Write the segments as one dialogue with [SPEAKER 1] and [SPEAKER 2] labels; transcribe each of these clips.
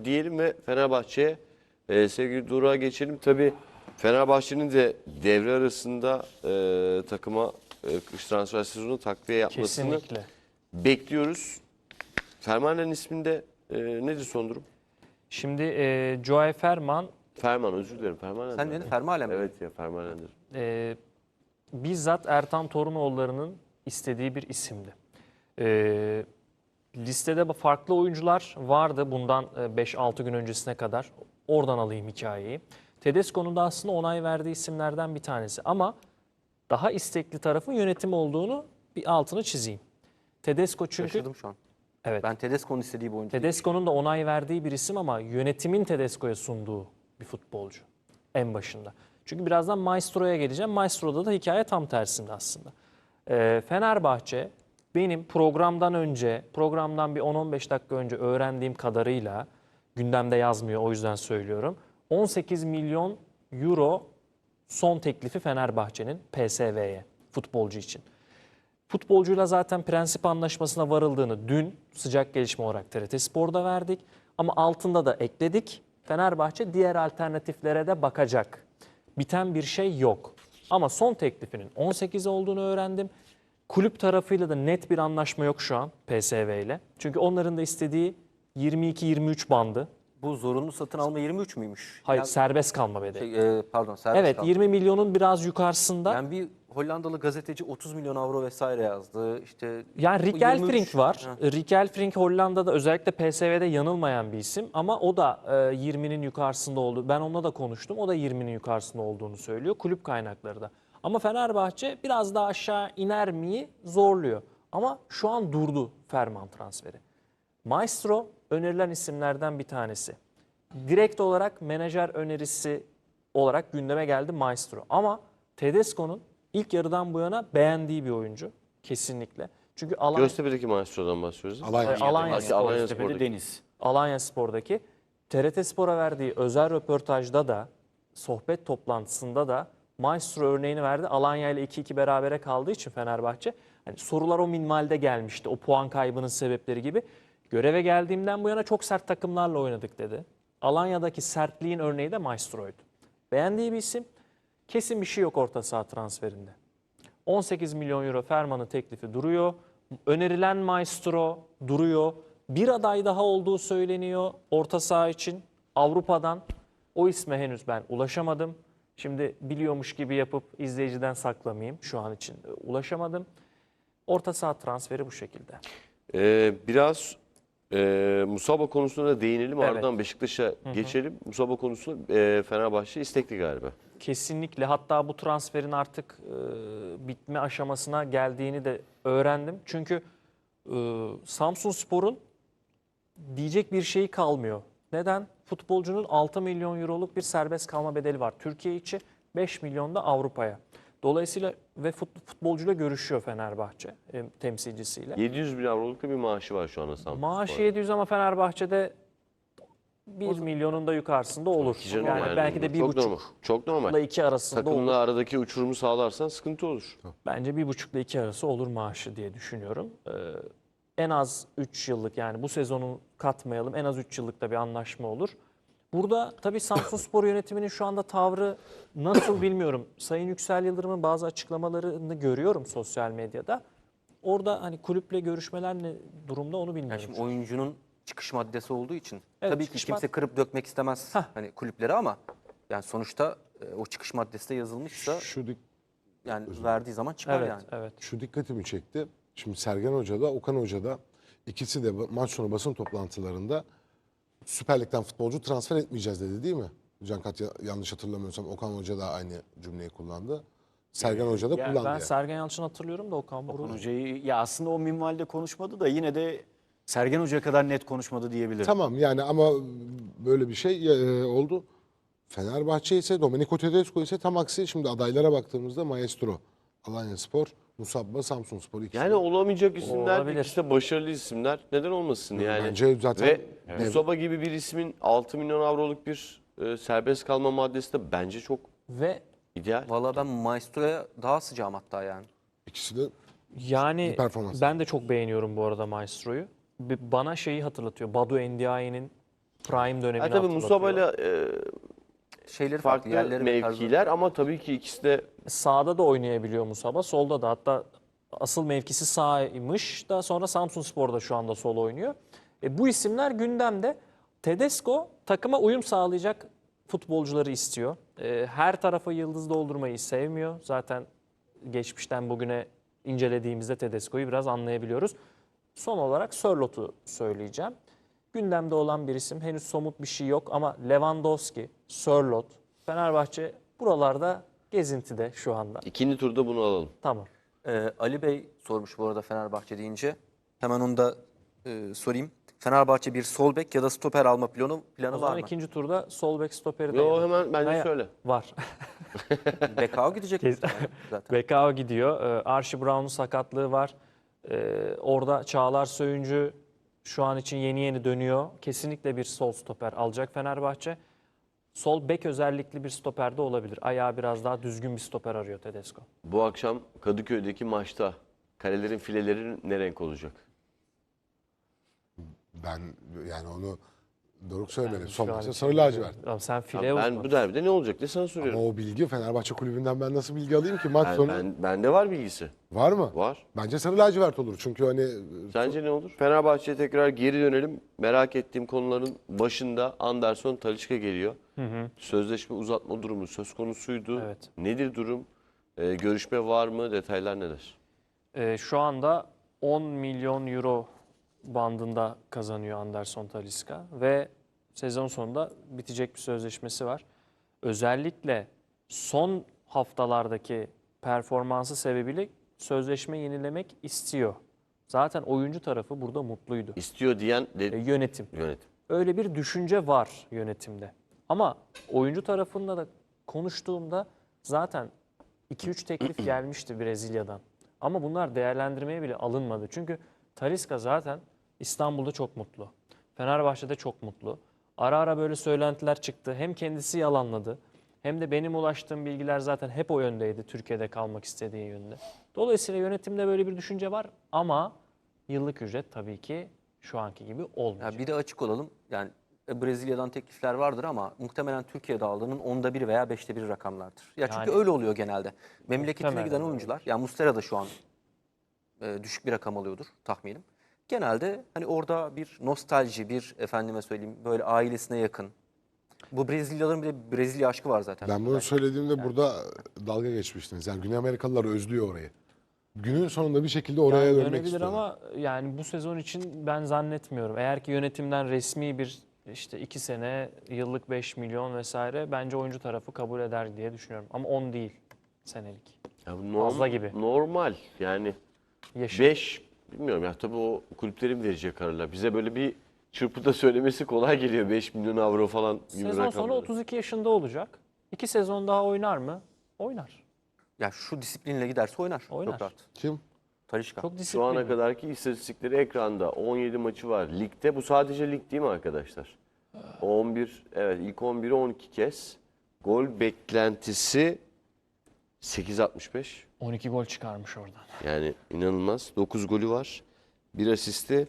[SPEAKER 1] diyelim ve Fenerbahçe'ye sevgili Doruk'a geçelim. Tabii Fenerbahçe'nin de devre arasında takıma kış transfer sezonu takviye yapmasını
[SPEAKER 2] Kesinlikle.
[SPEAKER 1] bekliyoruz. Ferman'ın isminde nedir son durum?
[SPEAKER 2] Şimdi Joey Ferman
[SPEAKER 1] Ferman, özür dilerim. Ferman
[SPEAKER 3] Sen
[SPEAKER 1] nedir?
[SPEAKER 3] dedin Fermalen mi?
[SPEAKER 1] Evet ya, Ferman nedir?
[SPEAKER 2] bizzat Ertan Torunoğulları'nın istediği bir isimdi. Listede farklı oyuncular vardı bundan 5-6 gün öncesine kadar. Oradan alayım hikayeyi. Tedesco'nun da aslında onay verdiği isimlerden bir tanesi. Ama daha istekli tarafın yönetim olduğunu bir altını çizeyim. Tedesco çünkü...
[SPEAKER 3] Şaşırdım şu an.
[SPEAKER 2] Evet.
[SPEAKER 3] Ben Tedesco'nun istediği bu oyuncu.
[SPEAKER 2] Tedesco'nun da onay verdiği bir isim ama yönetimin Tedesco'ya sunduğu bir futbolcu en başında. Çünkü birazdan Maestro'ya geleceğim. Maestro'da da hikaye tam tersinde aslında. Fenerbahçe benim programdan bir 10-15 dakika önce öğrendiğim kadarıyla, gündemde yazmıyor o yüzden söylüyorum, 18 milyon euro son teklifi Fenerbahçe'nin PSV'ye futbolcu için. Futbolcuyla zaten prensip anlaşmasına varıldığını dün sıcak gelişme olarak TRT Spor'da verdik. Ama altında da ekledik. Fenerbahçe diğer alternatiflere de bakacak. Biten bir şey yok. Ama son teklifinin 18 olduğunu öğrendim. Kulüp tarafıyla da net bir anlaşma yok şu an PSV ile. Çünkü onların da istediği 22-23 bandı.
[SPEAKER 3] Bu zorunlu satın alma 23 müymüş?
[SPEAKER 2] Hayır,
[SPEAKER 3] Yani,
[SPEAKER 2] serbest kalma bedeli.
[SPEAKER 3] pardon serbest
[SPEAKER 2] Evet,
[SPEAKER 3] kalma.
[SPEAKER 2] 20 milyonun biraz yukarısında.
[SPEAKER 3] Yani bir Hollandalı gazeteci 30 milyon avro vesaire yazdı. İşte
[SPEAKER 2] Yani Rick
[SPEAKER 3] bu 23
[SPEAKER 2] Elfrink var.
[SPEAKER 3] Ha.
[SPEAKER 2] Rick Elfrink Hollanda'da özellikle PSV'de yanılmayan bir isim. Ama o da 20'nin yukarısında oldu. Ben onunla da konuştum. O da 20'nin yukarısında olduğunu söylüyor. Kulüp kaynakları da. Ama Fenerbahçe biraz daha aşağı iner miyi zorluyor. Ama şu an durdu Ferman transferi. Maestro önerilen isimlerden bir tanesi. Direkt olarak menajer önerisi olarak gündeme geldi Maestro. Ama Tedesco'nun ilk yarıdan bu yana beğendiği bir oyuncu kesinlikle. Çünkü
[SPEAKER 1] Göztepe'deki Maestro'dan bahsediyoruz.
[SPEAKER 2] Alanya
[SPEAKER 1] Alanya
[SPEAKER 2] Spor.
[SPEAKER 1] Spor'daki.
[SPEAKER 4] Deniz.
[SPEAKER 2] Alanya Spor'daki TRT Spor'a verdiği özel röportajda da, sohbet toplantısında da Maestro örneğini verdi. Alanya ile 2-2 berabere kaldığı için Fenerbahçe, hani sorular o minvalde gelmişti. O puan kaybının sebepleri gibi. Göreve geldiğimden bu yana çok sert takımlarla oynadık dedi. Alanya'daki sertliğin örneği de Maestro'ydu. Beğendiği bir isim. Kesin bir şey yok orta saha transferinde. 18 milyon euro Ferman'ın teklifi duruyor. Önerilen Maestro duruyor. Bir aday daha olduğu söyleniyor orta saha için Avrupa'dan. O isme henüz ben ulaşamadım. Şimdi biliyormuş gibi yapıp izleyiciden saklamayayım. Şu an için ulaşamadım. Orta saha transferi bu şekilde.
[SPEAKER 1] Biraz Musaba konusuna da değinelim.
[SPEAKER 2] Evet.
[SPEAKER 1] Ardından Beşiktaş'a geçelim. Musaba konusunda Fenerbahçe istekli galiba.
[SPEAKER 2] Kesinlikle, hatta bu transferin artık bitme aşamasına geldiğini de öğrendim. Çünkü Samsunspor'un diyecek bir şeyi kalmıyor. Neden? Futbolcunun 6 milyon euroluk bir serbest kalma bedeli var Türkiye içi, 5 milyon da Avrupa'ya. Dolayısıyla ve futbolcuyla görüşüyor Fenerbahçe temsilcisiyle.
[SPEAKER 1] 700 bin avroluk da bir maaşı var şu anda Samsun
[SPEAKER 2] Maaşı
[SPEAKER 1] Spor'da.
[SPEAKER 2] 700 ama Fenerbahçe'de 1 milyonun da yukarısında olur.
[SPEAKER 1] Canım
[SPEAKER 2] Yani belki de
[SPEAKER 1] çok
[SPEAKER 2] 1,5
[SPEAKER 1] normal. Çok normal.
[SPEAKER 2] ile 2 arasında olur.
[SPEAKER 1] Takımla aradaki uçurumu sağlarsan sıkıntı olur.
[SPEAKER 2] Bence 1,5 ile 2 arası olur maaşı diye düşünüyorum. En az 3 yıllık, yani bu sezonu katmayalım, en az 3 yıllık da bir anlaşma olur. Burada tabii Samsunspor yönetiminin şu anda tavrı nasıl bilmiyorum. Sayın Yüksel Yıldırım'ın bazı açıklamalarını görüyorum sosyal medyada. Orada hani kulüple görüşmeler ne durumda onu
[SPEAKER 3] Yani
[SPEAKER 2] bilmiyorum.
[SPEAKER 3] şimdi oyuncunun çıkış maddesi olduğu için
[SPEAKER 2] Evet,
[SPEAKER 3] tabii ki
[SPEAKER 2] çıkış
[SPEAKER 3] kimse kırıp dökmek istemez hani kulüpleri ama yani sonuçta o çıkış maddesi de yazılmışsa yani verdiği zaman çıkar
[SPEAKER 2] Evet,
[SPEAKER 3] yani.
[SPEAKER 2] evet.
[SPEAKER 5] Şu dikkatimi çekti. Şimdi Sergen Hoca da Okan Hoca da ikisi de maç sonu basın toplantılarında Süper Lig'den futbolcu transfer etmeyeceğiz dedi, değil mi? Cankat, yanlış hatırlamıyorsam Okan Hoca da aynı cümleyi kullandı. Sergen Hoca da kullandı
[SPEAKER 2] Ben
[SPEAKER 5] yani.
[SPEAKER 2] Sergen Yalçın'ı hatırlıyorum da Okan Buruk.
[SPEAKER 4] Hocayı ya aslında o minvalde konuşmadı da yine de Sergen Hoca kadar net konuşmadı diyebilirim.
[SPEAKER 5] Tamam yani ama böyle bir şey oldu. Fenerbahçe ise Domenico Tedesco ise tam aksi. Şimdi adaylara baktığımızda Maestro, Alanyaspor, Musabba, Samsunspor ikisi.
[SPEAKER 1] Yani olamayacak isimler,
[SPEAKER 2] Olabilir.
[SPEAKER 1] ikisi de başarılı isimler. Neden olmasın yani?
[SPEAKER 5] Bence zaten
[SPEAKER 1] Ve Musaba gibi bir ismin 6 milyon avroluk bir serbest kalma maddesi de bence çok
[SPEAKER 2] Ve
[SPEAKER 1] ideal.
[SPEAKER 3] Valla ben Maestro'ya daha sıcağım hatta yani.
[SPEAKER 5] ikisi de
[SPEAKER 2] yani
[SPEAKER 5] Bir performans.
[SPEAKER 2] ben de çok beğeniyorum bu arada Maestro'yu. Bana şeyi hatırlatıyor. Badu Endiaye'nin prime dönemini
[SPEAKER 1] tabii
[SPEAKER 2] hatırlatıyor.
[SPEAKER 1] Musaba'yla
[SPEAKER 3] Şeyleri farklı,
[SPEAKER 1] farklı
[SPEAKER 3] yerleri ve tarzları.
[SPEAKER 1] mevkiler ama tabii ki ikisi de
[SPEAKER 2] Sağda da oynayabiliyor Musaba, solda da. Hatta asıl mevkisi sağymış da sonra Samsunspor'da şu anda sol oynuyor. Bu isimler gündemde. Tedesco takıma uyum sağlayacak futbolcuları istiyor. Her tarafa yıldız doldurmayı sevmiyor. Zaten geçmişten bugüne incelediğimizde Tedesco'yu biraz anlayabiliyoruz. Son olarak Sörlot'u söyleyeceğim. Gündemde olan bir isim, henüz somut bir şey yok ama Lewandowski, Sörlot, Fenerbahçe buralarda gezintide şu anda.
[SPEAKER 1] ikinci turda bunu alalım.
[SPEAKER 2] Tamam.
[SPEAKER 3] Ali Bey sormuş bu arada Fenerbahçe deyince. Hemen onu da sorayım. Fenerbahçe bir sol bek ya da stoper alma planı
[SPEAKER 2] O
[SPEAKER 3] var
[SPEAKER 2] zaman
[SPEAKER 3] mı?
[SPEAKER 2] ikinci turda sol bek stoperi de
[SPEAKER 1] Yo hemen bence
[SPEAKER 2] Hayır,
[SPEAKER 1] söyle.
[SPEAKER 2] var.
[SPEAKER 3] Bekao gidecek mi zaten?
[SPEAKER 2] BKO gidiyor. Archie Brown'un sakatlığı var. Orada Çağlar Söyüncü şu an için yeni dönüyor. Kesinlikle bir sol stoper alacak Fenerbahçe. Sol bek özellikli bir stoper de olabilir. Ayağı biraz daha düzgün bir stoper arıyor Tedesco.
[SPEAKER 1] Bu akşam Kadıköy'deki maçta kalelerin fileleri ne renk olacak?
[SPEAKER 5] Ben yani onu Doruk söylemedi.
[SPEAKER 2] Ben
[SPEAKER 5] Son
[SPEAKER 2] şu an
[SPEAKER 5] maçta
[SPEAKER 2] için
[SPEAKER 5] sarı lacivert.
[SPEAKER 2] Ama sen
[SPEAKER 1] Ya
[SPEAKER 2] fileye
[SPEAKER 1] ben
[SPEAKER 2] uzman.
[SPEAKER 1] bu derbide ne olacak diye sana
[SPEAKER 5] Ama
[SPEAKER 1] soruyorum.
[SPEAKER 5] o bilgi Fenerbahçe kulübünden ben nasıl bilgi alayım ki maç sonu?
[SPEAKER 1] Bende var bilgisi.
[SPEAKER 5] Var mı?
[SPEAKER 1] Var.
[SPEAKER 5] Bence sarı lacivert olur. Çünkü hani
[SPEAKER 1] Sence ne olur? Fenerbahçe'ye tekrar geri dönelim. Merak ettiğim konuların başında Anderson Talisca geliyor. Sözleşme uzatma durumu söz konusuydu.
[SPEAKER 2] Evet.
[SPEAKER 1] Nedir durum? Görüşme var mı? Detaylar neler?
[SPEAKER 2] Şu anda 10 milyon euro bandında kazanıyor Anderson Talisca ve sezon sonunda bitecek bir sözleşmesi var. Özellikle son haftalardaki performansı sebebiyle sözleşme yenilemek istiyor. Zaten oyuncu tarafı burada mutluydu.
[SPEAKER 1] İstiyor diyen
[SPEAKER 2] Yönetim.
[SPEAKER 1] yönetim.
[SPEAKER 2] Öyle bir düşünce var yönetimde. Ama oyuncu tarafında da konuştuğumda zaten 2-3 teklif gelmişti Brezilya'dan. Ama bunlar değerlendirmeye bile alınmadı. Çünkü Talisca zaten İstanbul'da çok mutlu. Fenerbahçe'de çok mutlu. Ara ara böyle söylentiler çıktı. Hem kendisi yalanladı hem de benim ulaştığım bilgiler zaten hep o yöndeydi. Türkiye'de kalmak istediği yönde. Dolayısıyla yönetimde böyle bir düşünce var ama yıllık ücret tabii ki şu anki gibi olmayacak.
[SPEAKER 3] Ya bir de açık olalım. Yani Brezilya'dan teklifler vardır ama muhtemelen Türkiye'de aldığının 1/10 veya 1/5 rakamlardır. Ya çünkü
[SPEAKER 2] Yani-
[SPEAKER 3] öyle oluyor genelde. Memleketine
[SPEAKER 2] Muhtemelen
[SPEAKER 3] giden
[SPEAKER 2] öyle
[SPEAKER 3] oyuncular, ya Muslera da şu an düşük bir rakam alıyordur tahminim. Genelde hani orada bir nostalji, bir efendime söyleyeyim böyle ailesine yakın. Bu Brezilyalıların bir de Brezilya aşkı var zaten.
[SPEAKER 5] ben bunu söylediğimde burada dalga geçmiştiniz. Yani Güney Amerikalılar özlüyor orayı. Günün sonunda bir şekilde oraya
[SPEAKER 2] Yani
[SPEAKER 5] dönmek
[SPEAKER 2] dönebilir
[SPEAKER 5] istiyorlar.
[SPEAKER 2] ama yani bu sezon için ben zannetmiyorum. Eğer ki yönetimden resmi bir işte 2 sene yıllık 5 milyon vesaire bence oyuncu tarafı kabul eder diye düşünüyorum. Ama 10 değil senelik.
[SPEAKER 1] Ya bu
[SPEAKER 2] Fazla gibi.
[SPEAKER 1] Normal yani
[SPEAKER 2] Yaşı.
[SPEAKER 1] 5 bilmiyorum ya tabii o kulüplerin verecek kararlar. Bize böyle bir çırpıda söylemesi kolay geliyor 5 milyon avro falan gibi
[SPEAKER 2] Sezon sonu
[SPEAKER 1] rakamlar.
[SPEAKER 2] 32 yaşında olacak. 2 sezon daha oynar mı? Oynar.
[SPEAKER 3] Ya şu disiplinle giderse oynar.
[SPEAKER 2] Oynar.
[SPEAKER 3] Çok rahat.
[SPEAKER 5] Kim?
[SPEAKER 3] Talisca.
[SPEAKER 2] Çok
[SPEAKER 1] Şu
[SPEAKER 2] disiplinli.
[SPEAKER 1] ana kadarki istatistikleri ekranda. 17 maçı var. Ligde bu sadece lig değil mi arkadaşlar? 11 evet ilk 11'i 12 kez. Gol beklentisi 8.65.
[SPEAKER 2] 12 gol çıkarmış oradan.
[SPEAKER 1] Yani inanılmaz. 9 golü var. Bir asisti.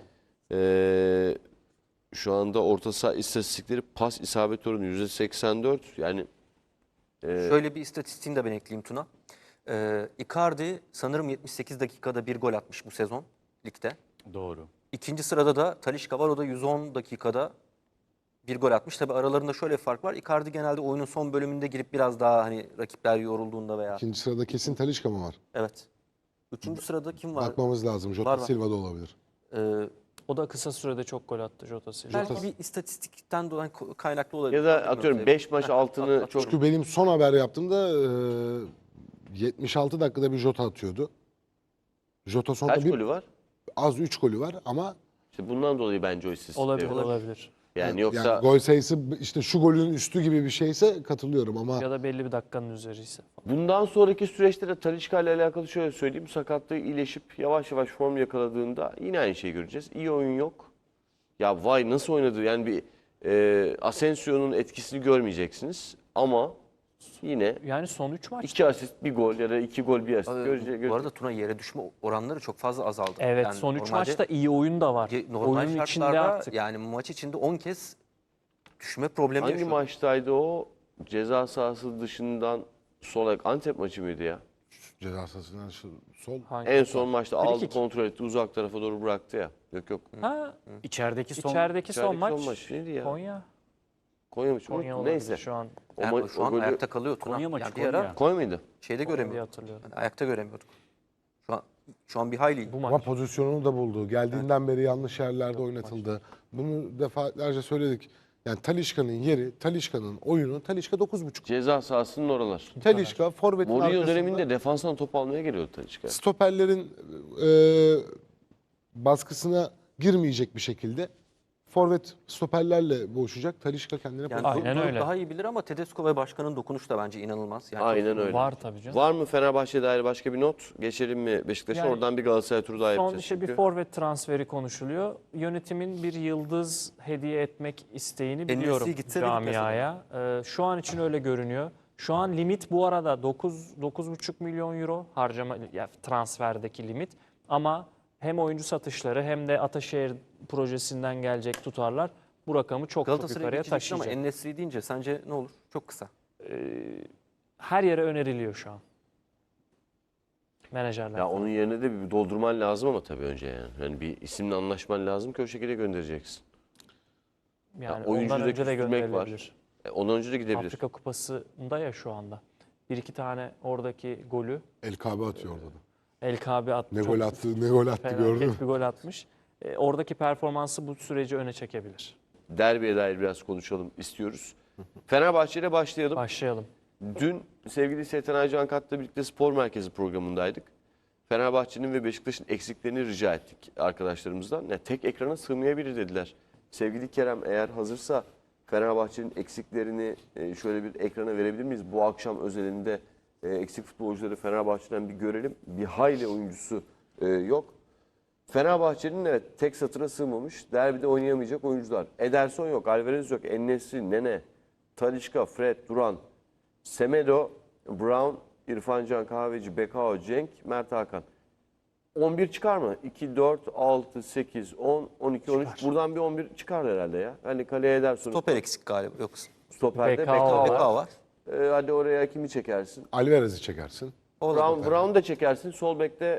[SPEAKER 1] Şu anda orta saha istatistikleri pas isabet oranı %84. Yani
[SPEAKER 3] Şöyle bir istatistiğini de ben ekleyeyim Tuna. Icardi sanırım 78 dakikada bir gol atmış bu sezon ligde.
[SPEAKER 4] Doğru.
[SPEAKER 3] İkinci sırada da Talisca var. O da 110 dakikada bir gol atmış. Tabii aralarında şöyle bir fark var. Icardi genelde oyunun son bölümünde girip biraz daha hani rakipler yorulduğunda veya...
[SPEAKER 5] İkinci sırada kesin Talisca mı var?
[SPEAKER 3] Evet. Üçüncü sırada kim var?
[SPEAKER 5] Bakmamız lazım. Jota
[SPEAKER 3] Var.
[SPEAKER 5] Silva da olabilir.
[SPEAKER 3] Ee,
[SPEAKER 2] O da kısa sürede çok gol attı Jota Silva.
[SPEAKER 3] belki bir istatistikten dolayı kaynaklı olabilir.
[SPEAKER 1] ya da atıyorum 5 maç altını çok
[SPEAKER 5] Çünkü benim son haber yaptığımda 76 dakikada bir Jota atıyordu. Jota sonunda
[SPEAKER 1] kaç
[SPEAKER 5] bir
[SPEAKER 1] golü var?
[SPEAKER 5] az 3 golü var ama
[SPEAKER 1] İşte bundan dolayı bence o istatistik.
[SPEAKER 2] Olabilir,
[SPEAKER 1] var.
[SPEAKER 2] olabilir.
[SPEAKER 1] Yani yoksa
[SPEAKER 5] yani gol sayısı işte şu golün üstü gibi bir şeyse katılıyorum ama
[SPEAKER 2] Ya da belli bir dakikanın üzeri ise.
[SPEAKER 1] bundan sonraki süreçte de Talisca ile alakalı şöyle söyleyeyim. Sakatlığı iyileşip yavaş yavaş form yakaladığında yine aynı şeyi göreceğiz. İyi oyun yok. Ya vay nasıl oynadı yani bir Asensio'nun etkisini görmeyeceksiniz. Ama yine
[SPEAKER 2] Yani son 3 maç.
[SPEAKER 1] 2 asist bir gol ya da 2 gol bir asist
[SPEAKER 3] Bu arada Tuna yere düşme oranları çok fazla azaldı.
[SPEAKER 2] Evet
[SPEAKER 3] Yani
[SPEAKER 2] son 3
[SPEAKER 3] normalde
[SPEAKER 2] maçta iyi oyun da var.
[SPEAKER 3] normal
[SPEAKER 2] Oyunun içinde
[SPEAKER 3] şartlarda
[SPEAKER 2] artık.
[SPEAKER 3] yani maç içinde 10 kez düşme problemi
[SPEAKER 1] Hangi
[SPEAKER 3] yaşıyor.
[SPEAKER 1] maçtaydı o? Ceza sahası dışından sol ayak Antep maçı mıydı ya?
[SPEAKER 5] Ceza sahasından sol.
[SPEAKER 2] Hangi
[SPEAKER 1] En
[SPEAKER 2] top
[SPEAKER 1] son
[SPEAKER 2] var?
[SPEAKER 1] maçta
[SPEAKER 2] Free
[SPEAKER 1] aldı,
[SPEAKER 2] kick.
[SPEAKER 1] kontrol etti, uzak tarafa doğru bıraktı ya. Yok.
[SPEAKER 2] Ha,
[SPEAKER 4] İçerideki son
[SPEAKER 2] içerideki son
[SPEAKER 1] İçerideki
[SPEAKER 2] maç.
[SPEAKER 1] son maç neydi ya?
[SPEAKER 2] Konya.
[SPEAKER 1] Konya maçı
[SPEAKER 2] Konya
[SPEAKER 1] unuttum.
[SPEAKER 2] olabilir
[SPEAKER 1] Neyse.
[SPEAKER 2] şu an.
[SPEAKER 3] Yani şu an
[SPEAKER 1] golü-
[SPEAKER 3] ayakta kalıyor Tuna.
[SPEAKER 4] Konya maçı,
[SPEAKER 3] Yani bir ara
[SPEAKER 4] Konya.
[SPEAKER 1] Konya mıydı?
[SPEAKER 3] şeyde
[SPEAKER 2] Diye
[SPEAKER 3] göremiyorduk.
[SPEAKER 2] hatırlıyorum.
[SPEAKER 3] Yani ayakta göremiyorduk. Şu an bir hayli.
[SPEAKER 2] Bu
[SPEAKER 5] Ama
[SPEAKER 2] maç.
[SPEAKER 5] pozisyonunu da buldu. Geldiğinden beri yanlış yerlerde oynatıldı. Bunu defalarca söyledik. Yani Talisca'nın yeri, Talisca'nın oyunu, Talisca 9.5.
[SPEAKER 1] Ceza sahasının oralar.
[SPEAKER 5] Talisca forvetin
[SPEAKER 1] Mourinho
[SPEAKER 5] arkasında.
[SPEAKER 1] döneminde defanstan top almaya geliyordu Talisca.
[SPEAKER 5] Stoperlerin baskısına girmeyecek bir şekilde forvet stoperlerle boğuşacak. Talisca kendine
[SPEAKER 3] Yani
[SPEAKER 5] pozisyon.
[SPEAKER 2] Aynen
[SPEAKER 3] Doruk
[SPEAKER 2] öyle.
[SPEAKER 3] daha iyi bilir ama Tedesco ve başkanın dokunuşu da bence inanılmaz. Yani
[SPEAKER 1] Aynen öyle.
[SPEAKER 2] Var tabii canım.
[SPEAKER 1] Var mı Fenerbahçe'ye dair başka bir not? Geçelim mi Beşiktaş'a?
[SPEAKER 2] Yani
[SPEAKER 1] Oradan bir Galatasaray turu daha
[SPEAKER 2] Son
[SPEAKER 1] yapacağız.
[SPEAKER 2] işte bir
[SPEAKER 1] çünkü.
[SPEAKER 2] forvet transferi konuşuluyor. Yönetimin bir yıldız hediye etmek isteğini biliyorum
[SPEAKER 3] gitse de gitmese de.
[SPEAKER 2] camiaya. Şu an için öyle görünüyor. Şu an limit bu arada 9,5 milyon euro harcama ya transferdeki limit. Ama hem oyuncu satışları hem de Ataşehir projesinden gelecek tutarlar bu rakamı çok
[SPEAKER 3] Galatasaray'a
[SPEAKER 2] yukarıya
[SPEAKER 3] geçeceksin ama
[SPEAKER 2] taşıyacak.
[SPEAKER 3] En-Nesyri deyince sence ne olur? Çok kısa.
[SPEAKER 2] Her yere öneriliyor şu an. Menajerler.
[SPEAKER 1] Ya onun yerine de bir doldurman lazım ama tabii önce yani. Yani bir isimle anlaşman lazım ki o şekilde göndereceksin.
[SPEAKER 2] Yani
[SPEAKER 1] oyuncuyu
[SPEAKER 2] ondan
[SPEAKER 1] da
[SPEAKER 2] önce de
[SPEAKER 1] küstürmek var.
[SPEAKER 2] gönderilebilir.
[SPEAKER 1] Ondan önce de gidebilir.
[SPEAKER 2] Afrika Kupası'nda ya şu anda. Bir iki tane oradaki golü
[SPEAKER 5] El Kabe atıyor orada da.
[SPEAKER 2] El Kabe attı.
[SPEAKER 5] Ne
[SPEAKER 2] Çok
[SPEAKER 5] gol attı, ne gol attı
[SPEAKER 2] felaket
[SPEAKER 5] gördün mü?
[SPEAKER 2] bir gol atmış. Oradaki performansı bu süreci öne çekebilir.
[SPEAKER 1] Derbiye dair biraz konuşalım istiyoruz. Fenerbahçe ile başlayalım.
[SPEAKER 2] Başlayalım.
[SPEAKER 1] Dün sevgili Seyten Aycan Kat'la birlikte spor merkezi programındaydık. Fenerbahçe'nin ve Beşiktaş'ın eksiklerini rica ettik arkadaşlarımızdan. Ya tek ekrana sığmayabilir dediler. Sevgili Kerem eğer hazırsa Fenerbahçe'nin eksiklerini şöyle bir ekrana verebilir miyiz? Bu akşam özelinde eksik futbolcuları Fenerbahçe'den bir görelim. Bir hayli oyuncusu yok. Fenerbahçe'nin evet tek satıra sığmamış. Derbide oynayamayacak oyuncular. Ederson yok, Alvarez yok, En-Nesyri, Nene, Talisca, Fred, Duran, Semedo, Brown, İrfan Can Kahveci, Bekao, Cenk, Mert Hakan. 11 çıkar mı? 2, 4, 6, 8, 10, 12, 13. Buradan bir 11 çıkar herhalde ya. Hani kaleye Ederson.
[SPEAKER 3] Stoper eksik galiba. Yok.
[SPEAKER 1] Stoperde
[SPEAKER 2] Bekao
[SPEAKER 1] Bekao var.
[SPEAKER 3] Bekao var.
[SPEAKER 1] Hadi oraya kimi çekersin?
[SPEAKER 5] Alvarez'i çekersin.
[SPEAKER 3] O da stoper.
[SPEAKER 1] Brown da çekersin. Sol bekte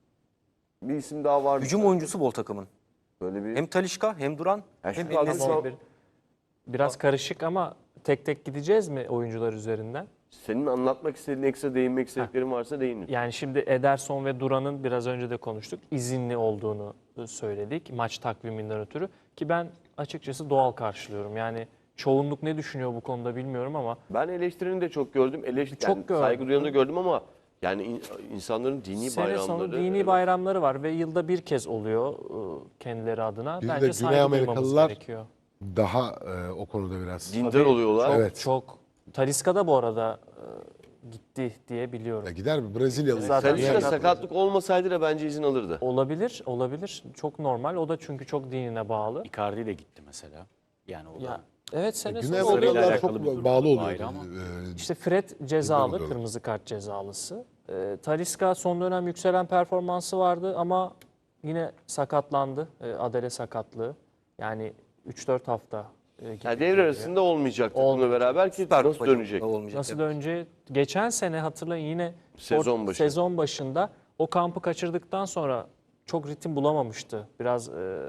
[SPEAKER 1] bir isim daha var.
[SPEAKER 3] Hücum oyuncusu bol takımın.
[SPEAKER 1] Böyle bir
[SPEAKER 3] Hem Talisca hem Duran
[SPEAKER 1] Ya
[SPEAKER 3] hem
[SPEAKER 1] şu kadro
[SPEAKER 3] En-Nesyri.
[SPEAKER 1] şu an-
[SPEAKER 2] Biraz karışık ama tek tek gideceğiz mi oyuncular üzerinden?
[SPEAKER 1] senin anlatmak istediğin ekstra değinmek istediklerin varsa değinin.
[SPEAKER 2] Yani şimdi Ederson ve Duran'ın biraz önce de konuştuk. İzinli olduğunu söyledik maç takviminden ötürü. Ki ben açıkçası doğal karşılıyorum. Yani çoğunluk ne düşünüyor bu konuda bilmiyorum ama
[SPEAKER 1] Ben eleştirini de çok gördüm.
[SPEAKER 2] Çok
[SPEAKER 1] Yani
[SPEAKER 2] gördüm.
[SPEAKER 1] saygı duyanı da gördüm ama yani insanların dini
[SPEAKER 2] sene
[SPEAKER 1] bayramları.
[SPEAKER 2] sonu dini bayramları var ve yılda bir kez oluyor kendileri adına.
[SPEAKER 5] Bir de
[SPEAKER 2] Bence
[SPEAKER 5] Güney
[SPEAKER 2] saygı duymamız
[SPEAKER 5] Amerikalılar
[SPEAKER 2] gerekiyor.
[SPEAKER 5] daha o konuda biraz.
[SPEAKER 1] Dindar oluyorlar.
[SPEAKER 5] Evet.
[SPEAKER 2] Çok. Talisca da bu arada gitti diye biliyorum.
[SPEAKER 5] Ya gider bir Brezilyalı.
[SPEAKER 2] Zaten
[SPEAKER 1] Talisca
[SPEAKER 2] sakat-
[SPEAKER 1] sakatlık olmasaydı da bence izin alırdı.
[SPEAKER 2] Olabilir, olabilir. Çok normal. O da çünkü çok dinine bağlı.
[SPEAKER 4] Icardi de gitti mesela. Yani o da
[SPEAKER 2] Ya, evet sene
[SPEAKER 5] Güney
[SPEAKER 2] sonu oluyor.
[SPEAKER 5] Amerikalılar
[SPEAKER 4] alakalı bir
[SPEAKER 5] çok
[SPEAKER 4] durum
[SPEAKER 5] bağlı
[SPEAKER 4] var,
[SPEAKER 5] oluyor.
[SPEAKER 4] ayrı ama.
[SPEAKER 2] İşte Fred cezalı,
[SPEAKER 5] oluyorlar.
[SPEAKER 2] kırmızı kart cezalısı. Talisca son dönem yükselen performansı vardı ama yine sakatlandı. Adele sakatlığı. Yani 3-4 hafta gitti.
[SPEAKER 1] Yani devre arasında olmayacak takımla
[SPEAKER 2] Olmayacak.
[SPEAKER 1] beraber ki
[SPEAKER 3] Süper
[SPEAKER 1] nasıl
[SPEAKER 3] Kupacı
[SPEAKER 1] dönecek?
[SPEAKER 3] olmayacak.
[SPEAKER 2] Nasıl önce geçen sene hatırlayın yine
[SPEAKER 1] Sezon başı.
[SPEAKER 2] başında o kampı kaçırdıktan sonra çok ritim bulamamıştı. Biraz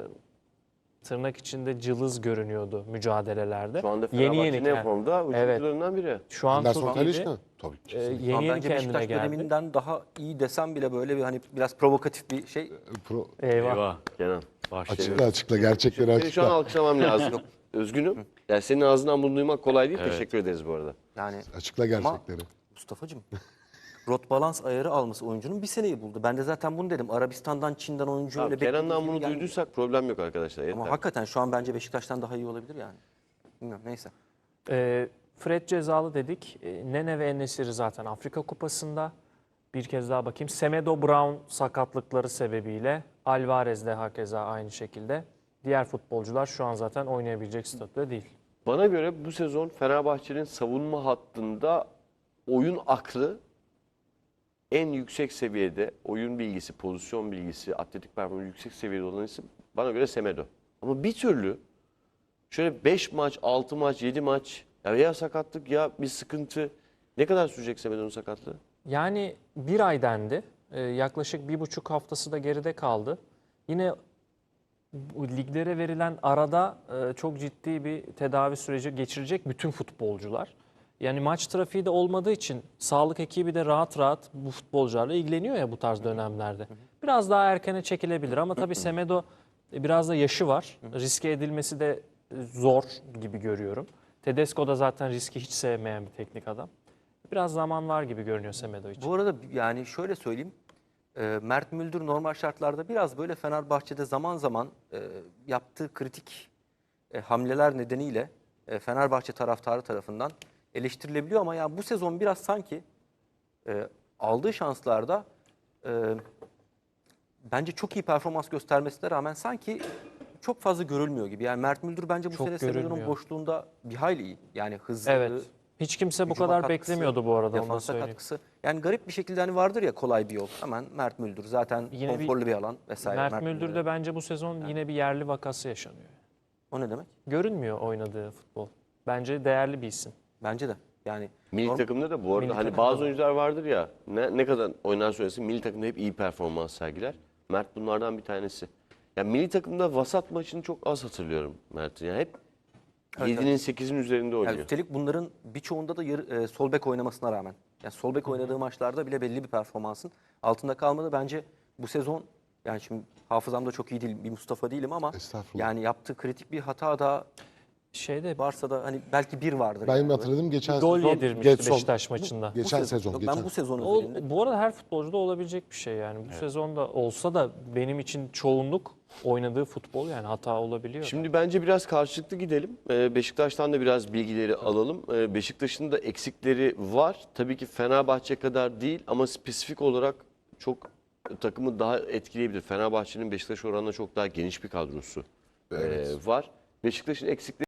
[SPEAKER 2] tırnak içinde cılız görünüyordu mücadelelerde.
[SPEAKER 1] Şu anda Fenerbahçe'nin en
[SPEAKER 2] kend-
[SPEAKER 1] formda
[SPEAKER 2] Evet.
[SPEAKER 1] hücumcularından biri.
[SPEAKER 2] Şu an
[SPEAKER 5] Anderson
[SPEAKER 2] çok
[SPEAKER 5] Talisca?
[SPEAKER 2] iyiydi.
[SPEAKER 5] Tabii ki.
[SPEAKER 2] Yeni
[SPEAKER 3] Şu an
[SPEAKER 2] yeni
[SPEAKER 3] bence
[SPEAKER 2] kendine
[SPEAKER 3] Beşiktaş
[SPEAKER 2] geldi.
[SPEAKER 3] döneminden daha iyi desem bile böyle bir hani biraz provokatif bir şey.
[SPEAKER 2] Eyvah.
[SPEAKER 1] Kenan.
[SPEAKER 5] Açıkla açıkla gerçekleri
[SPEAKER 1] Seni şu an
[SPEAKER 5] açıkla.
[SPEAKER 1] alkışlamam lazım. Özgünüm. Yani senin ağzından bunu duymak kolay değil. Teşekkür ederiz bu arada.
[SPEAKER 3] Yani
[SPEAKER 5] Açıkla gerçekleri.
[SPEAKER 3] Mustafa'cığım rot balans ayarı alması oyuncunun bir seneyi buldu. Ben de zaten bunu dedim. Arabistan'dan, Çin'den oyuncu
[SPEAKER 1] Tamam,
[SPEAKER 3] öyle
[SPEAKER 1] Kenan'dan
[SPEAKER 3] beklediğimiz
[SPEAKER 1] bunu
[SPEAKER 3] gibi gelmiyor.
[SPEAKER 1] duyduysak problem yok arkadaşlar. Yeter.
[SPEAKER 3] Ama hakikaten şu an bence Beşiktaş'tan daha iyi olabilir yani. Bilmiyorum neyse.
[SPEAKER 2] Fred cezalı dedik. Nene ve En-Nesyri zaten Afrika Kupası'nda. Bir kez daha bakayım. Semedo Brown sakatlıkları sebebiyle. Alvarez de hakeza aynı şekilde. Diğer futbolcular şu an zaten oynayabilecek statüde değil.
[SPEAKER 1] Bana göre bu sezon Fenerbahçe'nin savunma hattında oyun aklı en yüksek seviyede, oyun bilgisi, pozisyon bilgisi, atletik performansı yüksek seviyede olan isim bana göre Semedo. Ama bir türlü şöyle 5 maç, 6 maç, 7 maç ya sakatlık ya bir sıkıntı. Ne kadar sürecek Semedo'nun sakatlığı?
[SPEAKER 2] Yani bir ay dendi. Yaklaşık 1,5 haftası da geride kaldı. Yine bu liglere verilen arada çok ciddi bir tedavi süreci geçirecek bütün futbolcular. Yani maç trafiği de olmadığı için sağlık ekibi de rahat rahat bu futbolcularla ilgileniyor ya bu tarz dönemlerde. Biraz daha erkene çekilebilir ama tabii Semedo biraz da yaşı var. Riske edilmesi de zor gibi görüyorum. Tedesco da zaten riski hiç sevmeyen bir teknik adam. Biraz zaman var gibi görünüyor Semedo için.
[SPEAKER 3] Bu arada yani şöyle söyleyeyim. Mert Müldür normal şartlarda biraz böyle Fenerbahçe'de zaman zaman yaptığı kritik hamleler nedeniyle Fenerbahçe taraftarı tarafından eleştirilebiliyor ama ya bu sezon biraz sanki aldığı şanslarda bence çok iyi performans göstermesine rağmen sanki çok fazla görülmüyor gibi. Yani Mert Müldür bence bu
[SPEAKER 2] Çok
[SPEAKER 3] sene Semedo'nun
[SPEAKER 2] görülmüyor.
[SPEAKER 3] boşluğunda bir hayli iyi. Yani hızlı,
[SPEAKER 2] Evet. Hiç kimse bu
[SPEAKER 3] hücuma
[SPEAKER 2] kadar
[SPEAKER 3] katkısı,
[SPEAKER 2] beklemiyordu bu arada, onu da
[SPEAKER 3] defansa
[SPEAKER 2] söyleyeyim.
[SPEAKER 3] katkısı. Yani garip bir şekilde hani vardır ya kolay bir yol. Hemen Mert Müldür zaten
[SPEAKER 2] Yine
[SPEAKER 3] konforlu bir alan vesaire.
[SPEAKER 2] Mert Müldür'de bence bu sezon yine bir yerli vakası yaşanıyor.
[SPEAKER 3] O ne demek?
[SPEAKER 2] Görünmüyor oynadığı futbol. Bence değerli bir isim.
[SPEAKER 3] Bence de. Yani
[SPEAKER 1] Milli takımda da bu arada
[SPEAKER 2] Milli
[SPEAKER 1] hani
[SPEAKER 2] takımda
[SPEAKER 1] bazı
[SPEAKER 2] da.
[SPEAKER 1] oyuncular vardır ya ne kadar oynar söylesin milli takımda hep iyi performans sergiler. Mert bunlardan bir tanesi. Ya milli takımda vasat maçını çok az hatırlıyorum Mert'in. Yani hep
[SPEAKER 3] Evet,
[SPEAKER 1] 7'nin 8'in üzerinde oynuyor.
[SPEAKER 3] Yani üstelik bunların birçoğunda da sol bek oynamasına rağmen. Yani sol bek oynadığı maçlarda bile belli bir performansın altında kalmadı. Bence bu sezon yani şimdi hafızam da çok iyi değil bir Mustafa değilim ama
[SPEAKER 5] Estağfurullah.
[SPEAKER 3] yani yaptığı kritik bir hata da
[SPEAKER 2] Şeyde
[SPEAKER 3] varsa da hani belki bir vardır.
[SPEAKER 5] Ben
[SPEAKER 3] yani.
[SPEAKER 5] hatırladım geçen
[SPEAKER 2] gol
[SPEAKER 5] sezon.
[SPEAKER 2] yedirmişti
[SPEAKER 5] Getson.
[SPEAKER 2] Beşiktaş maçında.
[SPEAKER 5] Geçen
[SPEAKER 3] Bu
[SPEAKER 5] sezon.
[SPEAKER 3] Yok,
[SPEAKER 5] geçen.
[SPEAKER 3] ben bu sezon
[SPEAKER 2] O,
[SPEAKER 3] özelinde
[SPEAKER 2] bu arada her futbolcuda olabilecek bir şey yani. Bu sezonda olsa da benim için çoğunluk oynadığı futbol yani hata olabiliyor.
[SPEAKER 1] Şimdi bence biraz karşılıklı gidelim. Beşiktaş'tan da biraz bilgileri alalım. Beşiktaş'ın da eksikleri var. Tabii ki Fenerbahçe kadar değil ama spesifik olarak çok takımı daha etkileyebilir. Fenerbahçe'nin Beşiktaş oranına çok daha geniş bir kadrosu var. Beşiktaş'ın eksikleri